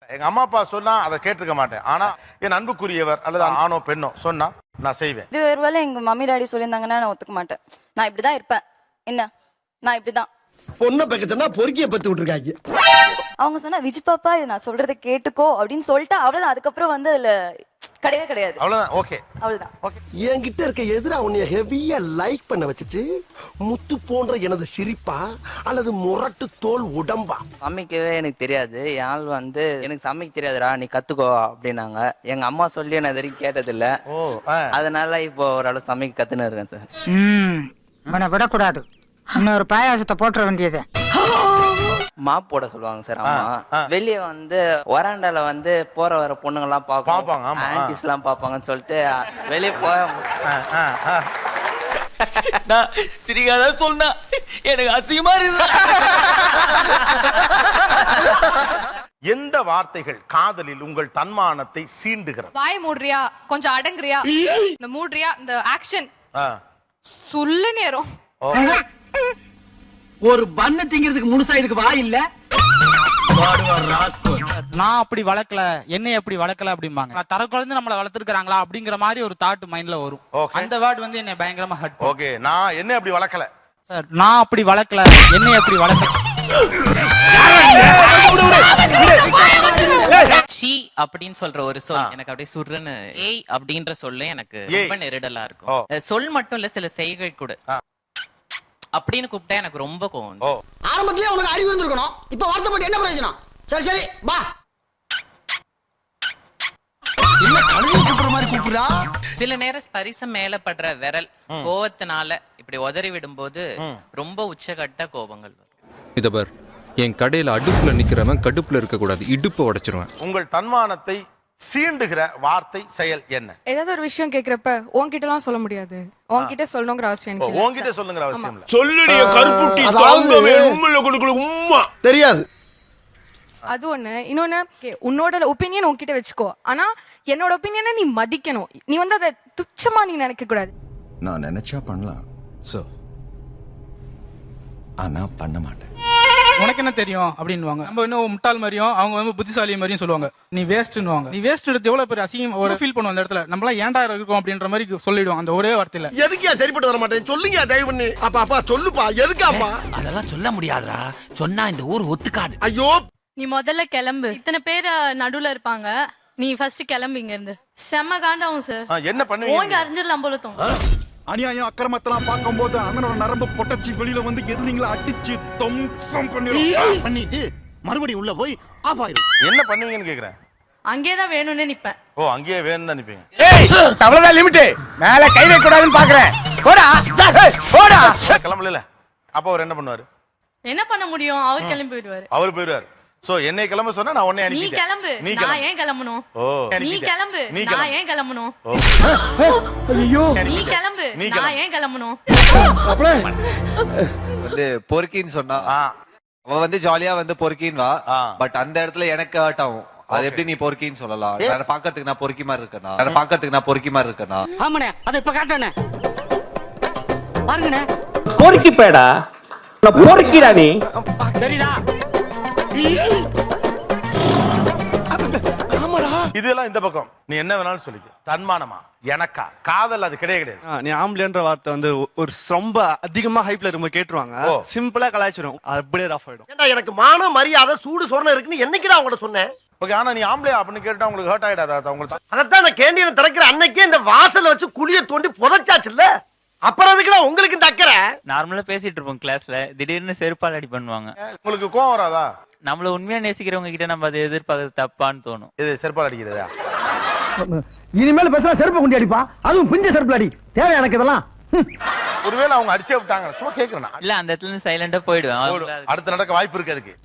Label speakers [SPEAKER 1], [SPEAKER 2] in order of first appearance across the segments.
[SPEAKER 1] எங்க அம்மா அப்பா சொன்னா அதை கேட்டிருக்க மாட்டேன். ஆனா என் அன்புக்குரியவர் அல்லது ஆணோ பெண்ணோ சொன்னா நான் செய்வேன்.
[SPEAKER 2] இது ஒருவேளை எங்க மம்மி டாடி சொல்லியிருந்தாங்கன்னா நான் ஒத்துக்க மாட்டேன். நான் இப்படிதான் இருப்பேன். என்ன நான் இப்படிதான்.
[SPEAKER 3] பொண்ணை பக்கத்துனா பொறுக்கிய பத்து விட்டுருக்காங்க.
[SPEAKER 2] அவங்க சொன்னா விஜய் பாப்பா இது நான் சொல்றதை கேட்டுக்கோ அப்படின்னு சொல்லிட்டு அவ்வளவுதான். அதுக்கப்புறம் வந்து அதுல கிடையவே கிடையாது.
[SPEAKER 1] அவ்வளவுதான். ஓகே
[SPEAKER 2] அவ்வளவுதான்.
[SPEAKER 1] ஓகே.
[SPEAKER 3] என்கிட்ட இருக்க எதிரா உன்னைய ஹெவியா லைக் பண்ண வச்சுச்சு முத்து போன்ற எனது சிரிப்பா அல்லது முரட்டு தோல் உடம்பா?
[SPEAKER 4] சமைக்கவே எனக்கு தெரியாது. என் ஆள் வந்து எனக்கு சமைக்க தெரியாதுடா நீ கத்துக்கோ அப்படின்னாங்க. எங்க அம்மா சொல்லி நான் இது வரைக்கும் கேட்டதில்ல. அதனால இப்போ ஓரளவு சமைக்க கத்துன்னு இருக்கேன் சார்.
[SPEAKER 5] அவனை விடக்கூடாது. இன்னொரு பாயாசத்தை போட்டுற வேண்டியது.
[SPEAKER 4] மாப் போட சொல்லுவாங்க சார் அம்மா. வெளியே வந்து வராண்டால வந்து போற வர பொண்ணுங்க எல்லாம் பாப்பாங்க, ஆன்டிஸ் எல்லாம் பாப்பாங்கன்னு சொல்லிட்டு வெளியே போய் சிரிக்காத சொன்னா எனக்கு அசிங்கமா இருக்கு.
[SPEAKER 1] எந்த வார்த்தைகள் காதலில் உங்கள் தன்மானத்தை சீண்டுகிறது?
[SPEAKER 6] வாய் மூடுறியா, கொஞ்சம் அடங்குறியா, இந்த மூடுறியா, இந்த ஆக்ஷன் சொல்லு நேரம்.
[SPEAKER 7] ஒரு பண்ண திங்கிறதுக்கு முழுசா இதுக்கு வாய் இல்ல.
[SPEAKER 8] நான் அப்படி வளர்க்கல, என்னை எப்படி வளர்க்கல அப்படிம்பாங்க. தர குழந்தை நம்மள வளர்த்துருக்காங்களா அப்படிங்கிற மாதிரி ஒரு தாட் மைண்ட்ல வரும். அந்த வேர்ட் வந்து என்னை பயங்கரமா ஹர்ட்.
[SPEAKER 1] ஓகே, நான் என்ன அப்படி வளர்க்கல
[SPEAKER 8] சார், நான் அப்படி வளர்க்கல, என்னை எப்படி வளர்க்கல.
[SPEAKER 9] சி அப்படின்னு சொல்ற ஒரு சொல் எனக்கு அப்படியே சுடுறன்னு. ஏய் அப்படின்ற சொல்ல எனக்கு ரொம்ப நெருடலா இருக்கும். சொல் மட்டும் இல்ல, சில செய்கை கூட அப்படின்னு கூப்பிட்டா எனக்கு ரொம்ப கோவம்.
[SPEAKER 3] ஆரம்பத்திலே உனக்கு அறிவு இருந்திருக்கணும். இப்ப வார்த்தைப்பட்டு என்ன பிரயோஜனம்? சரி சரி பா. என்ன கழுவி கூப்பிடுற மாதிரி கூப்பிடுறா?
[SPEAKER 9] சில நேரம் ஸ்பரிசம் மேல படுற விரல் கோவத்தினால இப்படி உதறி விடும்போது ரொம்ப உச்சகட்ட கோபங்கள் வரும்.
[SPEAKER 10] இத பார், என் கடையில அடுப்புல நிக்கிறவன் கடுப்புல இருக்க கூடாது, இடுப்பை உடைச்சிருவேன்.
[SPEAKER 1] உங்கள் தன்மானத்தை சீண்டுகிற வார்த்தை செயல் என்ன?
[SPEAKER 6] ஏதாவது ஒரு விஷயம் கேக்குறப்ப உன்கிட்ட எல்லாம் சொல்ல முடியாது, உன்கிட்ட சொல்லணுங்கிற அவசியம் எனக்கு இல்ல.
[SPEAKER 1] உன்கிட்ட சொல்லுங்கிற அவசியம் இல்ல.
[SPEAKER 3] சொல்லுடிய கருப்புட்டி தாங்கவே உம்முல கொடுக்குற உம்மா தெரியாது.
[SPEAKER 6] அது ஒண்ணு. இன்னொன்னு, உன்னோட ஒப்பீனியன் உன்கிட்ட வச்சுக்கோ. ஆனா என்னோட ஒப்பீனியனை நீ மதிக்கணும். நீ வந்து அதை துச்சமா நீ நினைக்க கூடாது.
[SPEAKER 11] நான் நினைச்சா பண்ணலாம் சார், ஆனா பண்ண மாட்டேன்.
[SPEAKER 8] உனக்கு என்ன தெரியும் அப்படின்னுவாங்க. நம்ம இன்னும் முட்டாள் மாதிரியும் அவங்க வந்து புத்திசாலி மாதிரியும் சொல்லுவாங்க. நீ வேஸ்ட்னுவாங்க. நீ வேஸ்ட் எடுத்து எவ்வளவு பேர் அசிங்கம் ஒரு ஃபீல் பண்ணுவோம் அந்த இடத்துல. நம்மளாம் ஏன்டா இருக்கோம் அப்படின்ற மாதிரி சொல்லிடுவோம் அந்த ஒரே வார்த்தையில.
[SPEAKER 3] எதுக்கியா சரிப்பட்டு வர மாட்டேன் சொல்லுங்க தயவு பண்ணி. அப்பா அப்பா சொல்லுப்பா, எதுக்காப்பா?
[SPEAKER 7] அதெல்லாம் சொல்ல முடியாதுடா, சொன்னா இந்த ஊர் ஒத்துக்காது.
[SPEAKER 3] ஐயோ,
[SPEAKER 6] நீ முதல்ல கிளம்பு. இத்தனை பேர் நடுவுல இருப்பாங்க, நீ ஃபர்ஸ்ட் கிளம்பு இங்க இருந்து. செம்ம காண்டாவும் சார்.
[SPEAKER 1] என்ன பண்ணுவீங்க?
[SPEAKER 6] ஓங்க அறிஞ்சிடலாம் போல தோணும்.
[SPEAKER 11] அநியாயம் அக்கிரமத்தெல்லாம் பார்க்கும் போது அண்ணனோட நரம்பு பொட்டச்சி வெளியில வந்து எதிரிங்களை அடிச்சு தம்சம் பண்ணிட்டு மறுபடியும் உள்ள போய் ஆஃப் ஆயிரும்.
[SPEAKER 1] என்ன பண்ணுவீங்கன்னு கேக்குறேன்.
[SPEAKER 6] அங்கேதான் வேணும்னு நிப்பேன்.
[SPEAKER 1] அங்கேயே வேணும் தான் நிப்பீங்க.
[SPEAKER 3] அவ்வளவுதான் லிமிட். மேல கை வைக்க கூடாதுன்னு பாக்குறேன். போடா போடா.
[SPEAKER 1] கிளம்பல. அப்ப அவர் என்ன பண்ணுவாரு?
[SPEAKER 6] என்ன பண்ண முடியும்? அவர் கிளம்பி போயிடுவாரு.
[SPEAKER 1] அவர் போயிடுவாரு. சோ என்னை கிளம்ப சொன்னா நான் உன்னை
[SPEAKER 6] நீ
[SPEAKER 1] அனுப்பிட்டேன்.
[SPEAKER 6] கிளம்பு. நான் ஏன் கிளம்பணும்? நீ கிளம்பு. நான் ஏன் கிளம்பணும்?
[SPEAKER 3] ஐயோ,
[SPEAKER 6] நீ கிளம்பு. நான் ஏன் கிளம்பணும்?
[SPEAKER 4] வந்து பொறுக்கின்னு சொன்னா அவ வந்து ஜாலியா வந்து பொறுக்கின்னு வா. பட் அந்த இடத்துல எனக்கு ஹர்ட் ஆகும். அது எப்படி நீ பொறுக்கின்னு சொல்லலாம்? நான் பாக்கிறதுக்கு நான் பொறுக்கி மாதிரி இருக்கேனா? நான் பாக்கிறதுக்கு நான் பொறுக்கி மாதிரி இருக்கேனா?
[SPEAKER 7] ஆமாண்ணே, அதை இப்ப காட்டணே பாருங்கண்ணே. பொறுக்கி பேடா, பொறுக்கிடா நீ. சரிடா.
[SPEAKER 1] இதெல்லாம் இந்த பக்கம். நீ என்ன வேணாலும் சொல்லிக்க. தன்மானமா எனக்கா காதல் அது கிடையாது.
[SPEAKER 8] நீ ஆம்பளைன்ற வார்த்தை வந்து ஒரு ரொம்ப அதிகமா ஹைப்ல ரொம்ப கேட்டுருவாங்க. சிம்பிளா கலாய்ச்சிரும், அப்படியே ரஃப் ஆயிடும்.
[SPEAKER 3] ஏண்டா எனக்கு மான மரியாதை சூடு சொரணை இருக்குன்னு என்னைக்குடா உங்கள்ட்ட சொன்னேன்?
[SPEAKER 1] ஓகே, ஆனா நீ ஆம்பளையா அப்படின்னு கேட்டா உங்களுக்கு ஹர்ட் ஆயிடாதா? உங்களுக்கு
[SPEAKER 3] அதத்தான் அந்த கேண்டீனை திறக்கிற அன்னைக்கே இந்த வாசல்ல வச்சு குழிய தோண்டி புதைச்சாச்சுல்ல, அப்புறம் அதுக்குடா உங்களுக்கு இந்த அக்கறை?
[SPEAKER 9] நார்மலா பேசிட்டு இருப்போம் கிளாஸ்ல, திடீர்னு செருப்பால் அடி பண்ணுவாங்க.
[SPEAKER 1] உங்களுக்கு கோவம் வராதா?
[SPEAKER 9] நம்மள உண்மையா நேசிக்கிறவங்க கிட்ட நம்ம அதை எதிர்பார்க்கறது தப்பான்னு தோணும்.
[SPEAKER 1] இது செருப்பால் அடிக்கிறதா?
[SPEAKER 3] இனிமேல் பேசுறா செருப்பு கொண்டு அடிப்பா, அதுவும் பிஞ்ச செருப்பு அடி. தேவை எனக்கு இதெல்லாம்.
[SPEAKER 1] ஒருவேளை அவங்க அடிச்சே விட்டாங்க, சும்மா கேக்குறேன்.
[SPEAKER 9] இல்ல, அந்த இடத்துல இருந்து சைலண்டா போயிடுவேன்.
[SPEAKER 1] அடுத்து நடக்க வாய்ப்பு இருக்கு அதுக்கு.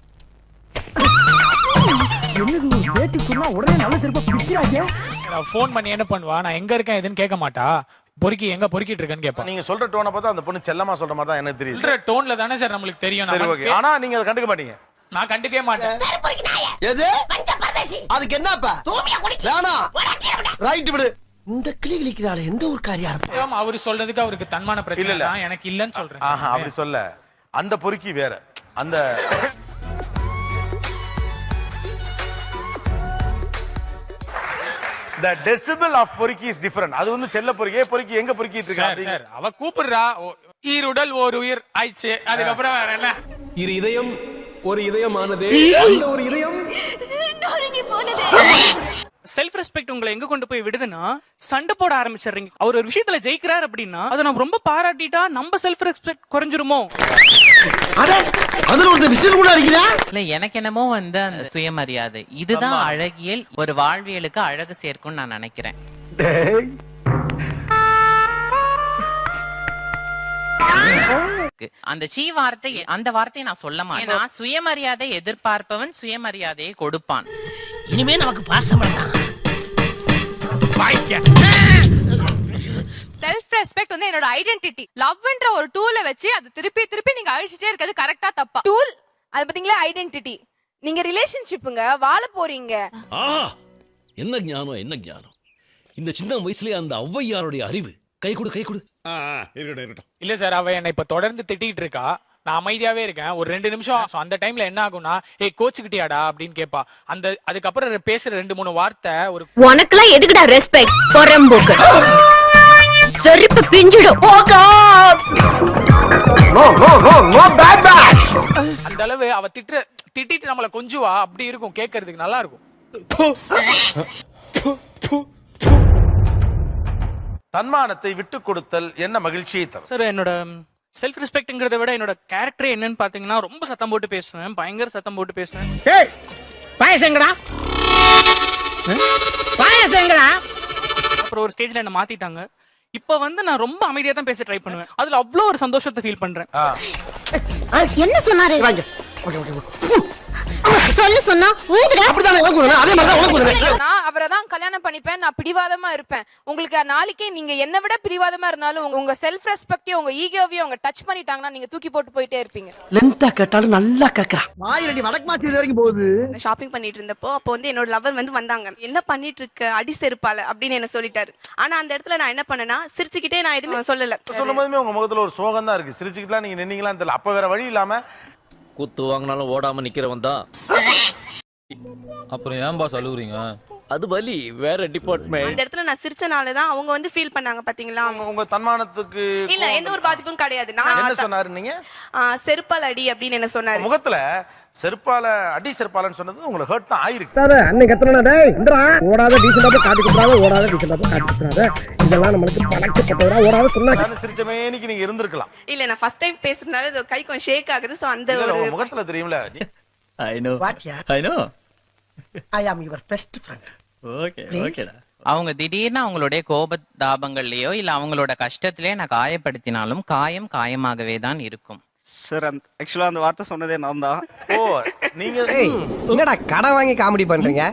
[SPEAKER 3] பேட்டி சொன்னா உடனே நல்ல செருப்பை பிடிக்கிறாங்க.
[SPEAKER 8] போன் பண்ணி என்ன பண்ணுவா, நான் எங்க இருக்கேன் எதுன்னு கேட்க மாட்டா, பொறுக்கி எங்க பொறுக்கிட்டு இருக்கேன்னு கேட்பா.
[SPEAKER 1] நீங்க சொல்ற டோனை பார்த்தா அந்த பொண்ணு செல்லமா சொல்ற மாதிரி தான் எனக்கு தெரியுது.
[SPEAKER 8] சொல்ற டோன்ல தானே சார் நம்மளுக்கு தெரியும்.
[SPEAKER 1] சரி ஓகே, ஆனா நீங்க அதை கண்டுக்க மாட்டீங்க.
[SPEAKER 8] நான் கண்டுக்கவே மாட்டேன்.
[SPEAKER 3] எது அதுக்கு என்னப்பா வேணா ரைட் விடு. இந்த கிளி கிளிக்கிறாள் எந்த ஒரு காரியா இருப்பா?
[SPEAKER 8] அவரு சொல்றதுக்கு அவருக்கு தன்மான பிரச்சனை இல்ல, எனக்கு இல்லன்னு சொல்றேன்.
[SPEAKER 1] அப்படி சொல்ல, அந்த பொறுக்கி வேற. அந்த the decibel of பொறுக்கி is different. அது வந்து செல்ல பொறுக்கி பொறுக்கி எங்க பொறுக்கிட்டு இருக்கா
[SPEAKER 8] சார் அவ கூப்பிடுறா ஈருடல் ஓர் உயிர் ஆயிடுச்சு அதுக்கப்புறம் வேற என்ன
[SPEAKER 7] இரு இதயம் ஒரு இதயமானது அந்த ஒரு இதயம்
[SPEAKER 2] நொறுங்கி போனது.
[SPEAKER 8] செல்ஃப் ரெஸ்பெக்ட் உங்களை எங்க கொண்டு போய் விடுதுன்னா சண்டை போட ஆரம்பிச்சிடுறீங்க. அவர் ஒரு விஷயத்துல ஜெயிக்கிறார் அப்படின்னா அதை நம்ம ரொம்ப பாராட்டிட்டா நம்ம செல்ஃப் ரெஸ்பெக்ட் குறைஞ்சிருமோ?
[SPEAKER 3] அதுல ஒரு விசில் கூட அடிக்கிறா.
[SPEAKER 9] இல்ல எனக்கு என்னமோ வந்து அந்த சுயமரியாதை இதுதான் அழகியல், ஒரு வாழ்வியலுக்கு அழகு சேர்க்கும்னு நான் நினைக்கிறேன். அந்த வார்த்தை அந்த வார்த்தையை நான் சொல்ல மாட்டேன். நான் சுயமரியாதை எதிர்பார்ப்பவன் சுயமரியாதையை கொடுப்பான்.
[SPEAKER 3] இனிமே நமக்கு பாசம் வேண்டாம்.
[SPEAKER 6] செல்ஃப் ரெஸ்பெக்ட் வந்து என்னோட ஐடென்டிட்டி. லவ்ன்ற ஒரு டூல வச்சு அது திருப்பி திருப்பி நீங்க அழிச்சிட்டே இருக்கிறது கரெக்டா தப்பா?
[SPEAKER 12] டூல் அது பாத்தீங்களா ஐடென்டிட்டி. நீங்க ரிலேஷன்ஷிப்புங்க வாழ போறீங்க.
[SPEAKER 11] என்ன ஞானம் என்ன ஞானம். இந்த சின்ன வயசுலயே அந்த ஔவையாருடைய அறிவு. கை கொடு கை கொடு. இருக்கட்டும்.
[SPEAKER 8] இல்ல சார் அவ என்ன இப்ப தொடர்ந்து திட்டிட்டு இருக்கா. நான் அமைதியாவே இருக்கேன் ஒரு 2 நிமிஷம். அந்த டைம்ல என்ன ஆகும்னா ஏய் கோச்சுக்கிட்டியாடா அப்படின்னு கேப்பா. அதுக்கப்புறம் பேசுற 2-3 வார்த்தை ஒரு
[SPEAKER 12] உனக்குலாம் எதுக்குடா ரெஸ்பெக்ட் பொறம்போக்கு செருப்பு பிஞ்சிடும். Oh God
[SPEAKER 3] no no no no bad bad.
[SPEAKER 8] அந்த அளவு அவ திட்டிட்டு நம்மள கொஞ்சுவா. அப்படி இருக்கும் கேட்கிறதுக்கு நல்லா இருக்கும்.
[SPEAKER 1] தன்மானத்தை விட்டு கொடுத்தல் என்ன மகிழ்ச்சியை தரும்?
[SPEAKER 8] சார் என்னோட செல்ஃப் ரெஸ்பெக்ட்ங்கிறத விட என்னோட கேரக்டர் என்னன்னு பாத்தீங்கன்னா ரொம்ப சத்தம் போட்டு பேசுவேன். பயங்கர சத்தம் போட்டு பேசுவேன்.
[SPEAKER 5] பாயசங்கடா பாயசங்கடா.
[SPEAKER 8] அப்புறம் ஒரு ஸ்டேஜ்ல என்ன மாத்திட்டாங்க. இப்ப வந்து நான் ரொம்ப அமைதியா தான் பேச ட்ரை பண்ணுவேன். அதுல அவ்வளவு ஒரு சந்தோஷத்தை ஃபீல் பண்றேன்.
[SPEAKER 12] என்ன சொன்னாரு? சொல்லு சொன்னா ஊதுடா.
[SPEAKER 3] அப்படிதான் எனக்கு அதே மாதிரி தான் உனக்கு.
[SPEAKER 12] நான் அவரை தான் கல்யாணம் பண்ணிப்பேன். நான் பிடிவாதமா இருப்பேன். உங்களுக்கு நாளைக்கே நீங்க என்ன விட பிடிவாதமா இருந்தாலும் உங்க செல்ஃப் ரெஸ்பெக்டையும் உங்க ஈகோவையும் அவங்க டச் பண்ணிட்டாங்கன்னா நீங்க தூக்கி போட்டு போயிட்டே இருப்பீங்க.
[SPEAKER 3] லென்த்தா கேட்டாலும் நல்லா கேக்குறா.
[SPEAKER 5] மாயிரடி வடக்கு மாத்தி வரைக்கும் போகுது.
[SPEAKER 12] ஷாப்பிங் பண்ணிட்டு இருந்தப்போ அப்போ வந்து என்னோட லவர் வந்து வந்தாங்க. என்ன பண்ணிட்டு இருக்க அடி செருப்பால அப்படின்னு என்ன சொல்லிட்டாரு. ஆனா அந்த இடத்துல நான் என்ன பண்ணேன்னா சிரிச்சுக்கிட்டே நான் எதுவுமே சொல்லல.
[SPEAKER 1] சொல்லும் போதுமே உங்க முகத்துல ஒரு சோகம் தான் இருக்கு. சிரிச்சுக்கிட்டா நீங்க நின்னீங்களான்னு தெரியல. அப்ப வேற வழி இல்லாம
[SPEAKER 13] குத்து வாங்கினாலும் ஓடாம நிக்கிறவன் தான். அப்புறம் ஏன் பாஸ் அழுகுறீங்க? அது வலி வேற டிபார்ட்மெண்ட்.
[SPEAKER 12] அந்த இடத்துல நான் சிரிச்சனால தான் அவங்க வந்து ஃபீல் பண்ணாங்க பாத்தீங்களா.
[SPEAKER 1] உங்க தன்மானத்துக்கு
[SPEAKER 12] இல்ல எந்த ஒரு பாதிப்பும் கிடையாது. நான்
[SPEAKER 1] என்ன சொன்னாரு நீங்க?
[SPEAKER 12] செருப்பால் அடி அப்படின்னு என்ன சொன்னாரு.
[SPEAKER 1] முகத்துல செருப்பால அடி செருப்பாலன்னு சொன்னது உங்களுக்கு ஹர்ட் தான் ஆயிருக்கு.
[SPEAKER 5] அன்னைக்கு எத்தனை டேய் இந்தா ஓடாத டீசன்டா போய் காட்டி குடுறாத ஓடாத டீசன்டா போய் காட்டி குடுறாத இதெல்லாம் நமக்கு பழக்கப்பட்டவரா ஓடாத சொன்னா
[SPEAKER 1] நான் சிரிச்சமேனிக்கு நீங்க இருந்திருக்கலாம்.
[SPEAKER 12] இல்ல நான் ஃபர்ஸ்ட் டைம் பேசுறதுனால கை கொஞ்சம் ஷேக் ஆகுது. சோ அந்த ஒரு
[SPEAKER 1] முகத்துல தெரியும்ல.
[SPEAKER 13] I know I know
[SPEAKER 3] I am your best friend.
[SPEAKER 13] Okay ஓகேடா.
[SPEAKER 9] அவங்க திடீர்னு அவங்களுடைய கோப தாபங்கள்லயோ இல்ல அவங்களோட கஷ்டத்திலேயே நான் காயப்படுத்தினாலும் காயம் காயமாகவே தான் இருக்கும்.
[SPEAKER 8] சார் ஆக்சுவலா அந்த வார்த்தை சொன்னதே நான் தான்.
[SPEAKER 1] ஓ நீங்க
[SPEAKER 3] என்னடா கடன் வாங்கி காமெடி பண்றீங்க?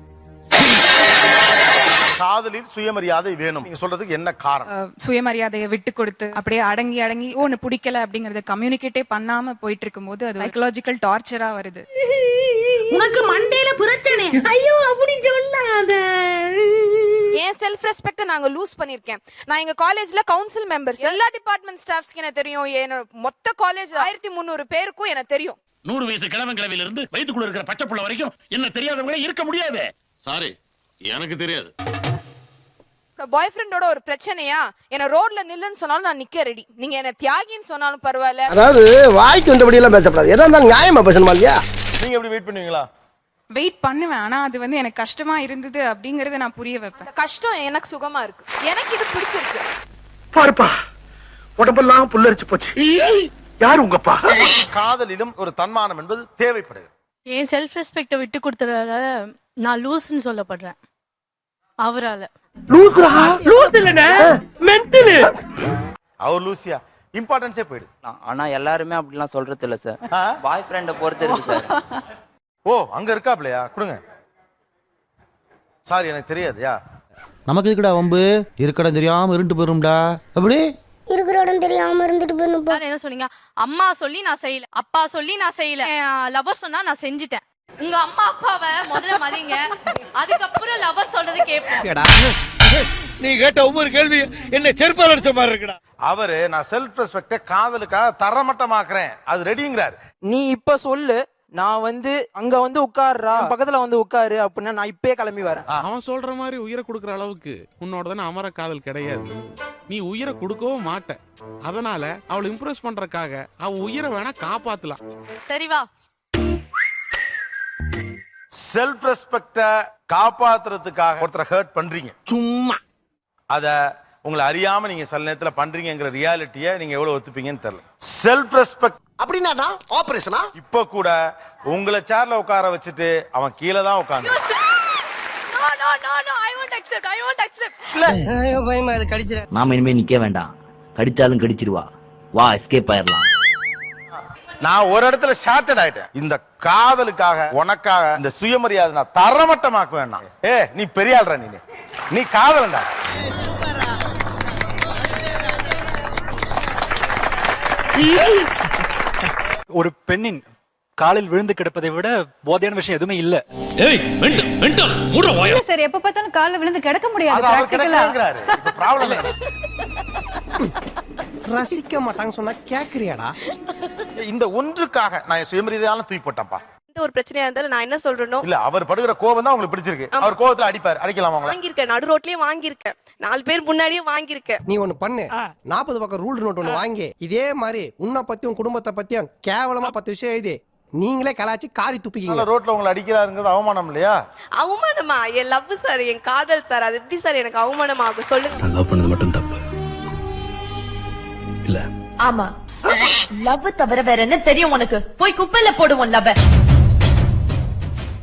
[SPEAKER 1] காதலில் சுயமரியாதை வேணும் நீங்க சொல்றதுக்கு என்ன காரணம்?
[SPEAKER 6] சுயமரியாதையை விட்டு கொடுத்து அப்படியே அடங்கி ஒன்னு பிடிக்கல அப்படிங்கறத கம்யூனிகேட்டே பண்ணாம போயிட்டு இருக்கும்போது அது சைக்கலாஜிக்கல் டார்ச்சரா வருது.
[SPEAKER 5] உனக்கு மண்டையில பிரச்சனை. ஐயோ அப்படி சொல்லாத.
[SPEAKER 12] ஏன் செல்ஃப் ரெஸ்பெக்ட் நாங்க லூஸ் பண்ணிருக்கேன். நான் எங்க காலேஜ்ல கவுன்சில் மெம்பர்ஸ் எல்லா டிபார்ட்மெண்ட் ஸ்டாஃப்ஸ்க்கு எனக்கு தெரியும். மொத்த காலேஜ் 1300 பேருக்கும் எனக்கு தெரியும்.
[SPEAKER 11] 100 வயசு கிழவங்கிழவில இருந்து வயித்துக்குள்ள இருக்கிற பச்சை புள்ள வரைக்கும் என்ன தெரியாதவங்களே இருக்க முடியாது. சாரி எனக்கு தெரியாது.
[SPEAKER 12] பாய் ஃப்ரெண்டோட ஒரு பிரச்சனையா என்ன ரோட்ல நில்லுன்னு சொன்னாலும் நான் நிக்க ரெடி. நீங்க என்ன தியாகின்னு சொன்னாலும் பரவாயில்ல.
[SPEAKER 3] அதாவது வாய்க்கு வந்தபடி எல்லாம் பேசப்படாது. எதா இருந்தாலும் நியாயமா பேசணுமா இல்லையா?
[SPEAKER 1] நீங்க எப்படி வெயிட் பண்ணுவீங்களா?
[SPEAKER 6] வெயிட் பண்ணுவேன். ஆனா அது வந்து எனக்கு கஷ்டமா இருந்தது அப்படிங்கறத நான் புரிய வைப்பேன்.
[SPEAKER 12] கஷ்டம் எனக்கு சுகமா இருக்கு. எனக்கு இது பிடிச்சிருக்கு.
[SPEAKER 5] பாருப்பா உடம்பெல்லாம் புல்லரிச்சு போச்சு. யார் உங்கப்பா?
[SPEAKER 1] காதலிலும் ஒரு தன்மானம் என்பது தேவைப்படுகிறது.
[SPEAKER 6] என் செல்ஃப் ரெஸ்பெக்ட விட்டு கொடுத்ததால நான் லூஸ்ன்னு சொல்லப்படுறேன் அவரால.
[SPEAKER 5] லூசுரா? லூஸ் இல்லனே மென்டல்.
[SPEAKER 1] அவர் லூசியா இம்பார்ட்டன்ஸே போயிடுது.
[SPEAKER 9] ஆனா எல்லாருமே அப்படிலாம் சொல்றது இல்ல சார். பாய் ஃப்ரெண்ட பொறுத்து இருக்கு சார்.
[SPEAKER 1] ஓ அங்க இருக்காப்லையா கொடுங்க. சாரி எனக்கு தெரியாதுயா.
[SPEAKER 3] நமக்கு இருக்குடா வம்பு. இருக்கடம் தெரியாம இருண்டு போயிரும்டா. அப்படி
[SPEAKER 12] இருக்கிற இடம் தெரியாம இருந்துட்டு போய்
[SPEAKER 6] என்ன சொன்னீங்க? அம்மா சொல்லி நான் செய்யல, அப்பா சொல்லி நான் செய்யல, லவர் சொன்னா நான் செஞ்சுட்டேன். உங்க அம்மா அப்பாவை முதல்ல மதிங்க, அதுக்கப்புறம் லவர் சொல்றது கேட்போம்.
[SPEAKER 11] நீ கேட்ட ஒவ்வொரு கேள்வி என்ன செருப்பால் அடிச்ச மாதிரி இருக்குடா.
[SPEAKER 1] அவரு நான் செல்ஃப் ரெஸ்பெக்ட காதலுக்காக தரமட்டமாக்குறேன் அது ரெடிங்கிறார்.
[SPEAKER 5] நீ இப்ப சொல்லு
[SPEAKER 14] நான் வந்து அங்க வந்து உட்காருறா பக்கத்துல வந்து உட்காரு அப்படின்னா நான் இப்பயே கிளம்பி வரேன்.
[SPEAKER 11] அவன் சொல்ற மாதிரி உயிரை கொடுக்கற அளவுக்கு உன்னோட தானே அமர காதல் கிடையாது. நீ உயிரை கொடுக்கவும் மாட்ட. அதனால அவளை இம்ப்ரெஸ் பண்றதுக்காக அவ உயிரை வேணா காப்பாத்தலாம்.
[SPEAKER 6] சரி வா.
[SPEAKER 1] செல்ஃப் ரெஸ்பெக்ட காப்பாத்துறதுக்காக ஒருத்தரை ஹர்ட் பண்றீங்க,
[SPEAKER 3] சும்மா
[SPEAKER 1] அத உங்களை அறியாம நீங்க சில நேரத்துல பண்றீங்கிற ரியாலிட்டியை நீங்க எவ்வளவு ஒத்துப்பீங்கன்னு தெரியல. செல்ஃப் ரெஸ்பெக்ட்
[SPEAKER 3] அப்படின்னா ஆபரேஷனா?
[SPEAKER 1] இப்ப கூட உங்களை சேர்ல உட்கார வச்சுட்டு அவன் கீழே தான் உட்கார்ந்து
[SPEAKER 3] பயமா அது கடிச்சிர.
[SPEAKER 13] நாம இனிமே நிக்க வேண்டாம், கடிச்சாலும் கடிச்சிருவா, வா எஸ்கேப் ஆயிரலாம்.
[SPEAKER 1] நான் ஒரு இடத்துல ஷார்ட்டட் ஆயிட்டேன். இந்த காதலுக்காக உனக்காக இந்த சுயமரியாதை நான் தரமட்டமாக்க வேண்டாம். நீ பெரிய ஆள்ற, நீ காதலண்டா.
[SPEAKER 15] ஒரு பெண்ணின் காலில் விழுந்து கிடப்பதை விட போதையான விஷயம் எதுவுமே இல்ல.
[SPEAKER 16] சார் எப்ப பார்த்தாலும் காலில் விழுந்து கிடக்க முடியாது.
[SPEAKER 3] ரசிக்க மாட்டாங்க சொன்னா கேக்குறியாடா?
[SPEAKER 1] இந்த ஒன்றுக்காக நான் சுயமரியாதையால தூக்கி போட்டேன்ப்பா.
[SPEAKER 12] ஒரு பிரச்சனையா இருந்தாலும் நான் என்ன சொல்றேனோ
[SPEAKER 1] இல்ல, அவர் படுகிற கோபம் தான் உங்களுக்கு பிடிச்சிருக்கு. அவர் கோபத்துல அடிப்பார், அடிக்கலாம்.
[SPEAKER 12] வாங்கியிருக்கேன், நடு ரோட்லயே வாங்கியிருக்கேன், 4 பேர் முன்னாடியே வாங்கியிருக்கேன்.
[SPEAKER 3] நீ ஒண்ணு பண்ணு, 40 பக்கம் ரூல் நோட் ஒண்ணு வாங்கி இதே மாதிரி உன்னை பத்தியும் குடும்பத்தை பத்தியும் கேவலமா 10 விஷயம் எழுதி நீங்களே கலாச்சி காரி துப்பிக்கீங்க.
[SPEAKER 1] ரோட்ல உங்களை அடிக்கிறாருங்கிறது அவமானம் இல்லையா?
[SPEAKER 12] அவமானமா? என் லவ் சார், என் காதல் சார், அது எப்படி சார் எனக்கு அவமானம் ஆகும் சொல்லுங்க.
[SPEAKER 13] லவ் பண்ணது மட்டும் தப்பு இல்ல.
[SPEAKER 16] ஆமா, லவ் தவிர வேற என்ன தெரியும் உனக்கு? போய் குப்பையில போடுவோம் லவ்.